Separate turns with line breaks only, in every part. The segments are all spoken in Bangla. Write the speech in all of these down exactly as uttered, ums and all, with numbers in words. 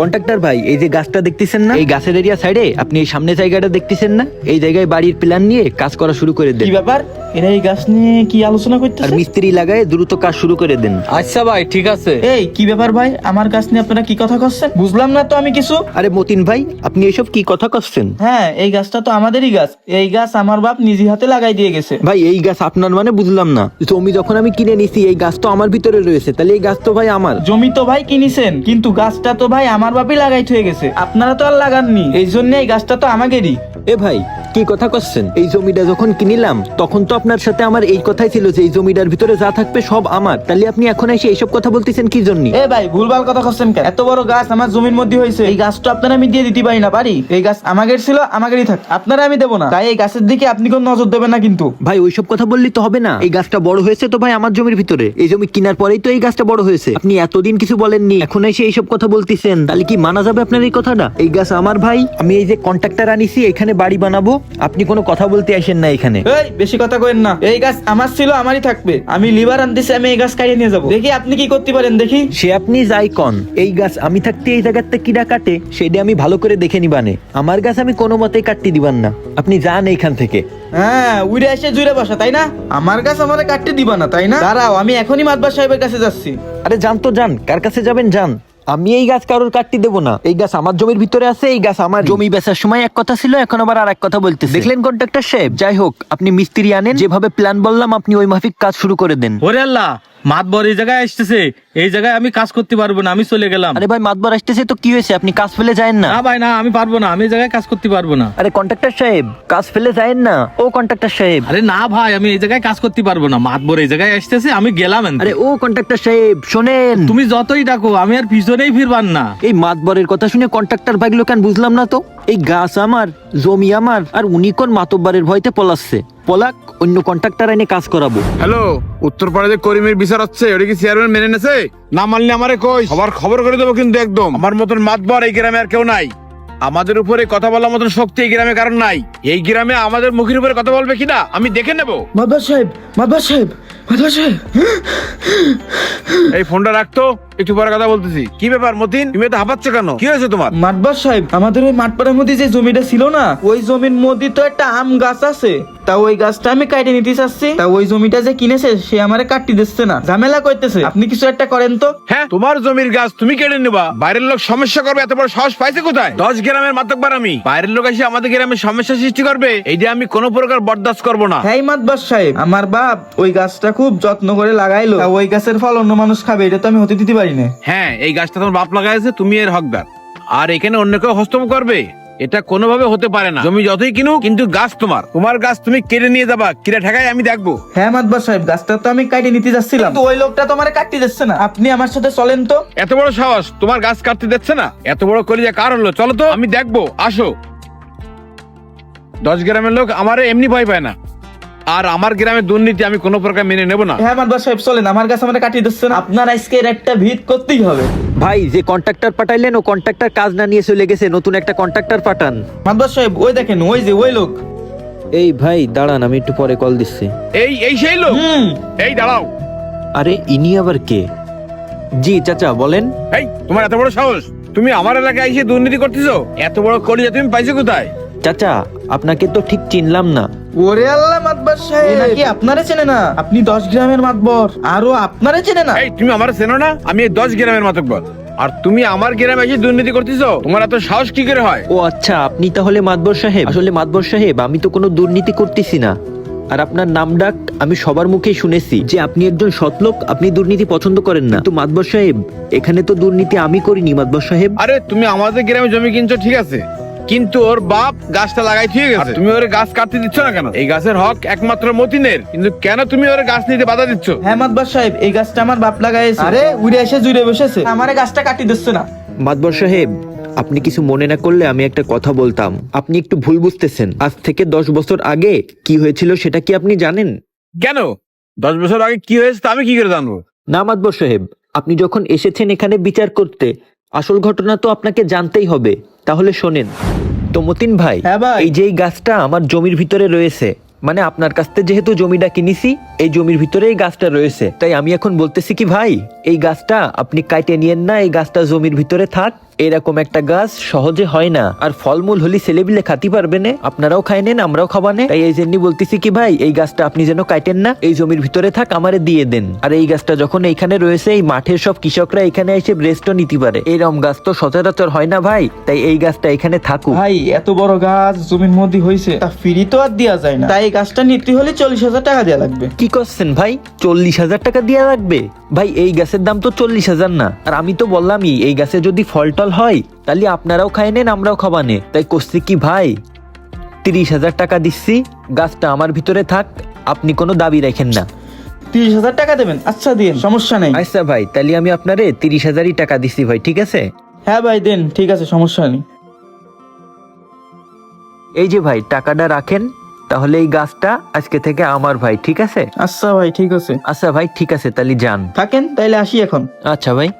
কন্ট্রাক্টর ভাই, এই যে গাছটা দেখতেছেন না, এই গাছের এরিয়া সাইডে আপনি এই সামনে জায়গাটা দেখতেছেন না, এই জায়গায় বাড়ির প্ল্যান নিয়ে কাজ করা শুরু করে দেন।
কি ব্যাপার, এরা এই গাছ নিয়ে কি আলোচনা
আর
করতেছে?
মিস্ত্রি লাগায় দ্রুত কাজ শুরু করে দেন।
আচ্ছা ভাই, ঠিক আছে।
এই কি ব্যাপার ভাই, আমার গাছ নিয়ে আপনারা কি কথা করছেন? বুঝলাম না তো আমি কিছু।
আরে মতিন ভাই, আপনি এসব কি কথা করছেন?
হ্যাঁ, এই গাছটা তো আমাদেরই গাছ। এই গাছ আমার বাপ নিজে হাতে লাগাই দিয়ে গেছে।
ভাই এই গাছ আপনার মানে বুঝলাম না। জমি যখন আমি কিনে নিছি, এই গাছ তো আমার ভিতরে রয়েছে, তাহলে এই গাছ তো ভাই আমার।
জমি তো ভাই কিনেছেন, কিন্তু গাছটা তো ভাই আমার বাপই লাগাই হয়ে গেছে, আপনারা তো আর লাগাননি। এই জন্য এই গাছটা তো আমাদেরই।
এ ভাই কি কথা করছেন? এই জমিটা যখন কিনিলাম তখন তো আপনার সাথে আমার এই কথাই ছিল যে এই জমিটার ভিতরে যা থাকবে সব আমার, তাহলে আপনি এখন এসে এইসব কথা বলতেছেন কি জন্য?
এ ভাই ভুলভাল কথা করছেন কেন? এত বড় গাছ আমার জমির মধ্যে হয়েছে, এই গাছটা আপনারা আমি দিয়ে দিতে পারি না পারি? এই গাছ আমাদের ছিল, আমাদেরই থাক, আপনারা আমি দেবো না। তাই এই গাছের দিকে আপনি কোন নজর দেবেন না কিন্তু।
ভাই ওইসব কথা বললেই তো হবে না। এই গাছটা বড় হয়েছে তো ভাই আমার জমির ভিতরে, এই জমি কেনার পরেই তো এই গাছটা বড় হয়েছে। আপনি এতদিন কিছু বলেননি, এখন এসে এইসব কথা বলতেছেন, তাহলে কি মানা যাবে আপনার এই কথাটা? এই গাছ আমার ভাই, আমি এই যে কন্ট্রাক্টর আনিছি এখানে বাড়ি বানাবো, আপনি কোনো কথা বলতে আসেন না এখানে।
এই বেশি কথা কইেন না, এই গাছ আমার ছিল, আমারই থাকবে। আমি লিভার আনতেছি, আমি এই গাছ কাটিয়ে নিয়ে যাবো। দেখি আপনি কি করতে পারেন, দেখি।
সে আপনি যাই কন, এই গাছ আমি থাকতে এই জায়গাতে কিরা কাটে সেটা আমি ভালো করে দেখে নিবানে। আমার গাছ আমি কোনো মতেই কাটতে দিবান না, আপনি যান এইখান থেকে।
হ্যাঁ, উড়ে এসে জুড়ে বসা, তাই না? আমার গাছ আমারে কাটতে দিবা না, তাই না? দাঁড়াও, আমি এখনই মাতবার সাহেবের কাছে যাচ্ছি।
আরে যান তো যান, কার কাছে যাবেন যান। আমি এই গাছ কারোর কাটতে দেবো না, এই গাছ আমার জমির ভিতরে আছে, এই গাছ আমার। জমি বেচার সময় এক কথা ছিল, এখন আবার আর এক কথা বলতেছে। দেখলেন কন্ট্রাক্টর সাহেব? যাই হোক, আপনি মিস্ত্রি আনেন, যেভাবে প্ল্যান বললাম আপনি ওই মাফিক কাজ শুরু করে দেন।
ওরে আল্লাহ, মাতবর এই জায়গায় আসতেছে, এই জায়গায় আমি কাজ করতে পারবো না, আমি চলে গেলাম।
আরে ভাই মাতবার আসতেছে তো কি হয়েছে, আপনি কাজ ফেলে যায়েন না।
না ভাই না, আমি পারবো না, আমি এই জায়গায় কাজ করতে পারবো না।
আরে কন্ট্রাক্টর সাহেব, কাজ ফেলে যায়েন না। ও কন্ট্রাক্টর সাহেব।
আরে না ভাই, আমি এই জায়গায় কাজ করতে পারবো না, মাতবর এই জায়গায় আসতেছে, আমি গেলাম এনতে।
আরে ও কন্ট্রাক্টর সাহেব শোনেন,
তুমি যতই ডাকো আমি আর পিছনেই ফিরবার না।
এই মাতবরের কথা শুনে কন্ট্রাক্টর ভাগলো কেন বুঝলাম না তো। এই গাছ আমার, জমি আমার, আর উনি কোন মাতব্বারের ভয়তে পলাচ্ছে। পলাক, অন্য কন্ট্রাক্টর এনে কাজ করাবো।
হ্যালো, উত্তরপাড়া যে করিমের বিচার হচ্ছে ওটা কি চেয়ারম্যান মেনে নেছে? না মানলে আমারে কই, সবার খবর করে দেবো কিন্তু একদম। আমার মতন মাতবর এই গ্রামে আর কেউ নাই। আমাদের উপরে কথা বলার মতন শক্তি এই গ্রামে কারণ নাই। এই গ্রামে আমাদের মুখের উপরে কথা বলবে কিনা আমি দেখে নেবো।
মাতবার সাহেব, মাতবার সাহেব, মাতবার সাহেব।
এই ফোনটা রাখতো, একটু পরে কথা বলতেছি। কি ব্যাপার মতিন, তুমি তো হাঁপাচ্ছ কেন? কি হয়েছে তোমার?
মাতবার সাহেব, আমাদের ওই মাঠপাড়ার মধ্যে যে জমিটা ছিল না, ওই জমির মধ্যে তো একটা আম গাছ আছে। তা ওই গাছটা আমি কাটে নিতে চাচ্ছি, তা ওই জমিটা যে কিনেছে সে আমারে কাটতে দিচ্ছে না, ঝামেলা করতেছে। আপনি কিছু একটা করেন তো।
হ্যাঁ, তোমার জমির গাছ তুমি কেটে নেবা, বাইরের লোক সমস্যা করবে এত বড় সাহস পাইছে কোথায়? দশ গ্রামের মাতব্বর আমি, বাইরের লোক এসে আমাদের গ্রামে সমস্যা সৃষ্টি করবে, এইটা আমি কোনো প্রকার বরদাস্ত করবো না।
হ্যাঁ মাতবার সাহেব, আমার বাপ ওই গাছটা খুব যত্ন করে লাগাইলো, তা ওই গাছের ফল অন্য মানুষ খাবে, এটা তো আমি হতে দিতে পারি না।
হ্যাঁ, এই গাছটা তোমার বাপ লাগাইছে, তুমি এর হকদার। আর এখানে অন্য কেউ হস্তক্ষেপ করবে এটা কোনোভাবে হতে পারে না। জমি যতই কিনুক, কিন্তু গাছ তোমার, তোমার গাছ তুমি কেটে নিয়ে যাবা, কিরা ঠেকায় আমি দেখবো।
হ্যাঁ মাতবার সাহেব, গাছটা তো আমি কাটে নিতে যাচ্ছিলাম, কিন্তু ওই লোকটা তো আমারে কাটতে দিচ্ছে না। আপনি আমার সাথে চলেন তো।
এত বড় সাহস, তোমার গাছ কাটতে দিচ্ছে না? এত বড় কলিজা কার হলো? চলো তো, আমি দেখবো, আসো। দশ গ্রামের লোক আমারে এমনি ভয় পায় না, আর আমার গ্রামের দুর্নীতি আমি কোনো প্রকার মেনে নেব না।
হ্যাঁ মাতবার সাহেব চলেন, আমার গাছ আমারে কাটিয়ে দিচ্ছে না। আপনার আজকে এর একটা ভিত করতেই হবে।
ভাই যে কন্ট্রাক্টর পাঠাইলেন ও কন্ট্রাক্টর কাজ না নিয়ে চলে গেছে, নতুন একটা কন্ট্রাক্টর পাঠান।
মাতবার সাহেব ওই দেখেন, ওই যে ওই লোক।
এই ভাই দাঁড়ান, আমি একটু পরে কল দিচ্ছি।
এই এই সেই লোক?
হুম।
এই দাঁড়াও।
আরে ইনি আবার কে? জি চাচা বলেন।
এই তোমার এত বড় সাহস, তুমি আমার এলাকায় এসে দুর্নীতি করতেছো? এত বড় কলিজা তুমি পাইছো কোথায়?
চাচা আপনাকে তো ঠিক চিনলাম না।
ওরে আল্লাহ, মাতবার সাহেব নাকি আপনারে চেনে না? আপনি দশ গ্রামের মাতবর, আরো আপনারে চেনে না?
এই তুমি আমার চেনো না? আমি এই দশ গ্রামের মাতব্বর, আর তুমি আমার গ্রামে এসে দুর্নীতি করতেছো? তোমার এত সাহস কি করে হয়?
ও আচ্ছা, আপনি তাহলে মাতবর সাহেব। আসলে মাতবর সাহেব, আমি তো কোনো দুর্নীতি করতেছি না। আর আপনার নাম ডাক আমি সবার মুখেই শুনেছি যে আপনি একজন সৎলোক, আপনি দুর্নীতি পছন্দ করেন না। তো মাতবর সাহেব, এখানে তো দুর্নীতি আমি করিনি মাতবর সাহেব।
আরে তুমি আমাদের গ্রামে জমি কিনছো ঠিক আছে, কিন্তু ওর বাপ গাছটা লাগাই ঠিক গেছে, তুমি ওর গাছ কাটতে দিচ্ছ না কেন? এই গাছের হক একমাত্র মতিনের, কিন্তু কেন তুমি ওর গাছ নিতে বাধা দিচ্ছ?
হ্যাঁ মাতবার সাহেব, এই গাছটা আমার বাপ লাগাইছে। আরে উড়ে এসে জুড়ে বসেছে, আমারে গাছটা কাটি দিচ্ছে না।
মাতবর সাহেব, আপনি কিছু মনে না করলে আমি একটা কথা বলতাম। আপনি একটু ভুল বুঝতেছেন। আজ থেকে দশ বছর আগে কি হয়েছিল সেটা কি আপনি জানেন?
কেন? দশ বছর আগে কি হয়েছে তা আমি কি করে জানবো?
না মাতবর সাহেব, আপনি যখন এসেছেন এখানে বিচার করতে, আসল ঘটনা তো আপনাকে জানতেই হবে। তাহলে শোনেন তো মতিন ভাই,
হ্যাঁ ভাই।
এই যে এই গাছটা আমার জমির ভিতরে রয়েছে, মানে আপনার কাছ থেকে যেহেতু জমিটা কিনেছি, এই জমির ভিতরে এই গাছটা রয়েছে, তাই আমি এখন বলতেছি কি ভাই, এই গাছটা আপনি কাটে নিয়েন না, এই গাছটা জমির ভিতরে থাক। এরকম একটা গাছ সহজে হয় না, আর ফলমূল হলি ছেলেবিলে খাতি পারবে না, আপনারাও খাই নেন আমরাও খাবানে। তাই এই জন্য বলতেছি কি ভাই, এই গাছটা আপনি যেন কাটেন না, এই জমির ভিতরে থাক, আমারে দিয়ে দেন। আর এই গাছটা যখন এইখানে রয়েছে, এই মাঠের সব কৃষকরা এখানে এসে রেস্টও নিতে পারে, এরকম গাছ তো সচরাচর হয় না ভাই, তাই এই গাছটা এখানে থাকুক।
ভাই এত বড় গাছ জমির মধ্যে হয়েছে, তা ফ্রি তো আর দেওয়া যায় না, তাই এই গাছটা নিতে হলে চল্লিশ হাজার টাকা দেওয়া লাগবে।
কি করছেন ভাই, চল্লিশ হাজার টাকা দিয়ে রাখবে? ভাই এই গাছের দাম তো চল্লিশ হাজার না, আর আমি তো বললামই এই গাছে যদি ফল টল হয় তাহলে আপনারাও খায় নেন আমরাও খাবানে। তাই করছি কি ভাই, তিরিশ হাজার টাকা দিচ্ছি, গাছটা আমার ভিতরে থাক, আপনি কোনো দাবি রাখেন না।
তিরিশ হাজার টাকা দেবেন? আচ্ছা দিন, সমস্যা নেই।
আচ্ছা ভাই, তাহলে আমি আপনারে তিরিশ হাজারই টাকা দিচ্ছি ভাই, ঠিক আছে?
হ্যাঁ ভাই দেন, ঠিক আছে, সমস্যা নেই।
এই যে ভাই টাকাটা রাখেন, তাহলে এই গাছটা আজকে থেকে আমার ভাই, ঠিক আছে?
আচ্ছা ভাই ঠিক আছে।
আচ্ছা ভাই ঠিক আছে, তাহলে যান।
থাকেন তাইলে, আসি এখন।
আচ্ছা ভাই।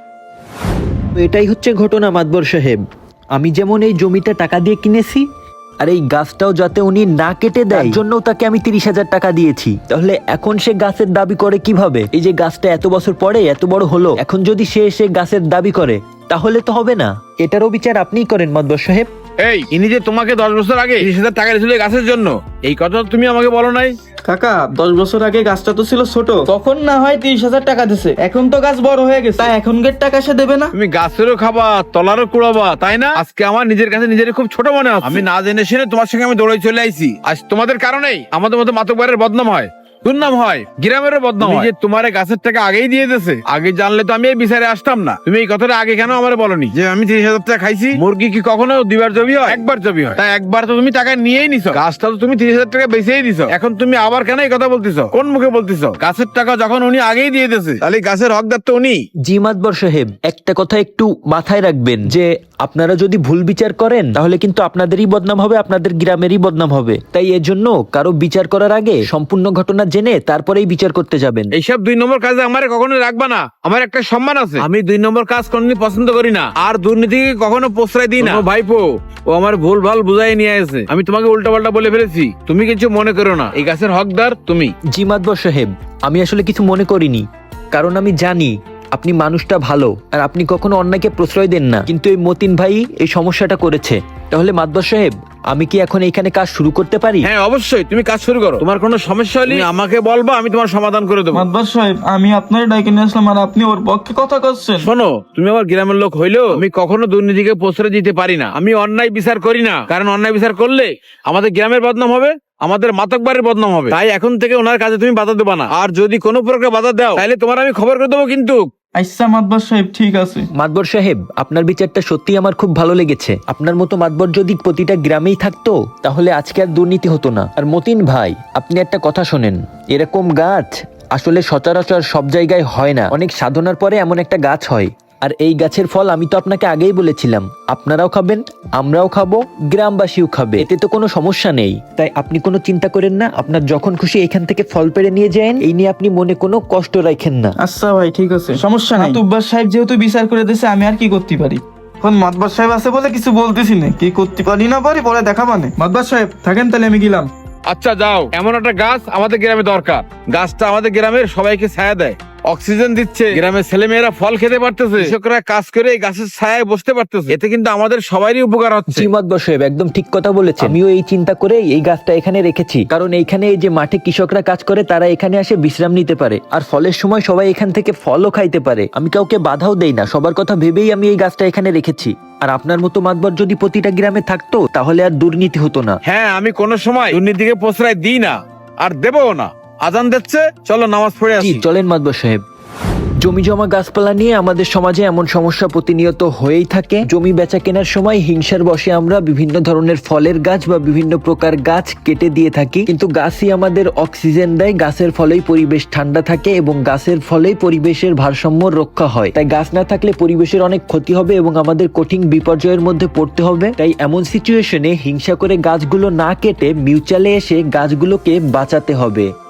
তো এটাই হচ্ছে ঘটনা মাতবর সাহেব, আমি যেমন এই জমিটা টাকা দিয়ে কিনেছি, আর এই গাছটাও যাতে উনি না কেটে দেয় তার জন্য তাকে আমি তিরিশ হাজার টাকা দিয়েছি। তাহলে এখন সে গাছের দাবি করে কিভাবে? এই যে গাছটা এত বছর পরে এত বড় হলো, এখন যদি সে সে গাছের দাবি করে তাহলে তো হবে না। এটারও বিচার আপনিই করেন মাতবর সাহেব।
এই ইনি যে তোমাকে দশ বছর আগে তিরিশ হাজার টাকা দিয়েছিল এই গাছের জন্য, এই কথা তো তুমি আমাকে বলো নাই।
কাকা দশ বছর আগে গাছটা তো ছিল ছোট, তখন না হয় তিরিশ হাজার টাকা দিছে, এখন তো গাছ বড় হয়ে গেছে, তাই এখনকার টাকা সে দেবে না।
তুমি গাছেরও খাবা তলারও কুড়াবা, তাই না? আজকে আমার নিজের কাছে নিজের খুব ছোট মনে হয়, আমি না জেনে শুনে তোমার সঙ্গে আমি দৌড়ে চলে আইছি। আজ তোমাদের কারণেই আমাদের মতো মাতকবারের বদনাম হয়, দুর্নাম হয়, গ্রামেরও বদনাম হয়। যে তোমার এই গাছের টাকা আগেই দিয়ে দিয়েছে, আগে জানলে তো আমি এই বিচারে আসতাম না। তুমি এই কথাটা আগে কেন আমার বলনি যে আমি তিরিশ হাজার টাকা খাইছি? মুরগি কি কখনো দুইবার জবি হয়? একবার জবি হয়, তাই একবার তো তুমি টাকা নিয়েই নিছো, গাছটা তো তুমি তিরিশ হাজার টাকা বেচেই দিছো, এখন তুমি আবার কেন এই কথা বলতেছো? কোন মুখে বলতেছো? গাছের টাকা যখন উনি আগেই দিয়ে দিয়েছে, তাহলে গাছের হকদার তো উনি।
জি মাতবর সাহেব, একটা কথা একটু মাথায় রাখবেন যে আপনারা যদি ভুল বিচার করেন তাহলে কিন্তু আপনাদেরই বদনাম হবে, আপনাদের গ্রামেরই বদনাম হবে। তাই এর জন্য কারো বিচার করার আগে সম্পূর্ণ ঘটনা জেনে তারপরেই বিচার করতে যাবেন।
এইসব দুই নম্বর কাজে আমার কখনো রাখবা না, আমার একটা সম্মান আছে, আমি দুই নম্বর কাজ কোনদিন পছন্দ করি না, আর দুর্নীতিকে কখনো প্রশ্রয় দিই না। ভাইপো ও আমার ভুল ভাল বুঝাই নিয়ে আসে, আমি তোমাকে উল্টা পাল্টা বলে ফেলেছি, তুমি কিছু মনে করো না, এই গাছের হকদার তুমি।
জি মাতবর সাহেব, আমি আসলে কিছু মনে করিনি, কারণ আমি জানি আপনি মানুষটা ভালো আর আপনি কখনো অন্যায়কে প্রশ্রয় দেন না, কিন্তু এই মতিন ভাই এই সমস্যাটা করেছে। তাহলে মাতবর সাহেব, আমি কি এখন এইখানে কাজ শুরু করতে পারি?
হ্যাঁ অবশ্যই, তুমি কাজ শুরু করো, তোমার কোনো সমস্যা হলে তুমি আমাকে বলবা, আমি তোমার সমাধান করে দেবো।
মাতবার সাহেব, আমি আপনার ডাইকে নিয়ে আসলাম আর আপনি ওর পক্ষে কথা করছেন।
শোনো, তুমি আমার গ্রামের লোক হইলেও আমি কখনো দুর্নীতিকে প্রশ্রয় দিতে পারি না, আমি অন্যায় বিচার করি না, কারণ অন্যায় বিচার করলে আমাদের গ্রামের বদনাম হবে, আমাদের মাতকবারের বদনাম হবে। তাই এখন থেকে ওনার কাজে তুমি বাধা দেবা না, আর যদি কোনো প্রকার বাধা দাও তাহলে তোমার আমি খবর করে দেবো কিন্তু।
আচ্ছা মাতবার সাহেব ঠিক আছে।
মাতবর সাহেব, আপনার বিচারটা সত্যি আমার খুব ভালো লেগেছে। আপনার মতো মাতবর যদি প্রতিটা গ্রামেই থাকতো তাহলে আজকে আর দুর্নীতি হতো না। আর মতিন ভাই, আপনি একটা কথা শোনেন, এরকম গাছ আসলে সচরাচর সব জায়গায় হয় না, অনেক সাধনার পরে এমন একটা গাছ হয়। আর এই গাছের ফল আমি তো আপনাকে আগেই বলেছিলাম, আপনারাও খাবেন, আমরাও খাবো, গ্রামবাসীও খাবে, এতে তো কোনো সমস্যা নেই। তাই আপনি কোনো চিন্তা করেন না, আপনার যখন খুশি এখান থেকে ফল পেড়ে নিয়ে যান, এই নিয়ে আপনি মনে কোনো কষ্ট রাখেন না।
আচ্ছা ভাই ঠিক আছে, সমস্যা নাই। মাতব্বর সাহেব যেহেতু বিচার করে দিয়েছে, আমি আর কি করতে পারি? এখন মাতবার সাহেব আছে বলে কিছু বলতেছি না, কি করতে পারি না পারি পরে দেখা মানে। মাতবার সাহেব থাকেন, তাহলে আমি গেলাম।
আচ্ছা যাও, এমন একটা গাছ আমাদের গ্রামে দরকার, গাছটা আমাদের গ্রামের সবাইকে ছায়া দেয়, অক্সিজেন দিচ্ছে, গ্রামের ছেলে মেয়েরা ফল খেতে পারতেছে, কৃষকরা কাজ করে এই গাছের ছায়ায় বসতে পারতেছে, এতে কিন্তু আমাদের সবারই উপকার হচ্ছে।
জি মাতবর সাহেব, একদম ঠিক কথা বলেছেন। আমিও এই চিন্তা করে এই গাছটা এখানে রেখেছি, কারণ এইখানে এই যে মাঠে কৃষকরা কাজ করে তারা এখানে এসে বিশ্রাম নিতে পারে, আর ফলের সময় সবাই এখান থেকে ফলও খাইতে পারে। আমি কাউকে বাধাও দেই না, সবার কথা ভেবেই আমি এই গাছটা এখানে রেখেছি। আর আপনার মতো মাতবর যদি প্রতিটা গ্রামে থাকতো তাহলে আর দুর্নীতি হতো না।
হ্যাঁ, আমি কোনো সময় দুর্নীতিকে প্রশ্রয় দিই না, আর দেবও না। আজান দিচ্ছে, চলো নামাজ পড়ে
জি
আসি।
চলেন মাতবর সাহেব। জমি জমা গাছপালা নিয়ে আমাদের সমাজে এমন সমস্যা প্রতিনিয়ত হয়েই থাকে। জমি বেচা কেনার সময় হিংসার বশে আমরা বিভিন্ন ধরনের ফলের গাছ বা বিভিন্ন প্রকার গাছ কেটে দিয়ে থাকি, কিন্তু গাছই আমাদের অক্সিজেন দেয়, গাছের ফলেই পরিবেশ ঠান্ডা থাকে এবং গাছের ফলেই পরিবেশের ভারসাম্য রক্ষা হয়। তাই গাছ না থাকলে পরিবেশের অনেক ক্ষতি হবে এবং আমাদের কঠিন বিপর্যয়ের মধ্যে পড়তে হবে। তাই এমন সিচুয়েশনে হিংসা করে গাছগুলো না কেটে মিউচুয়ালে এসে গাছগুলোকে বাঁচাতে হবে।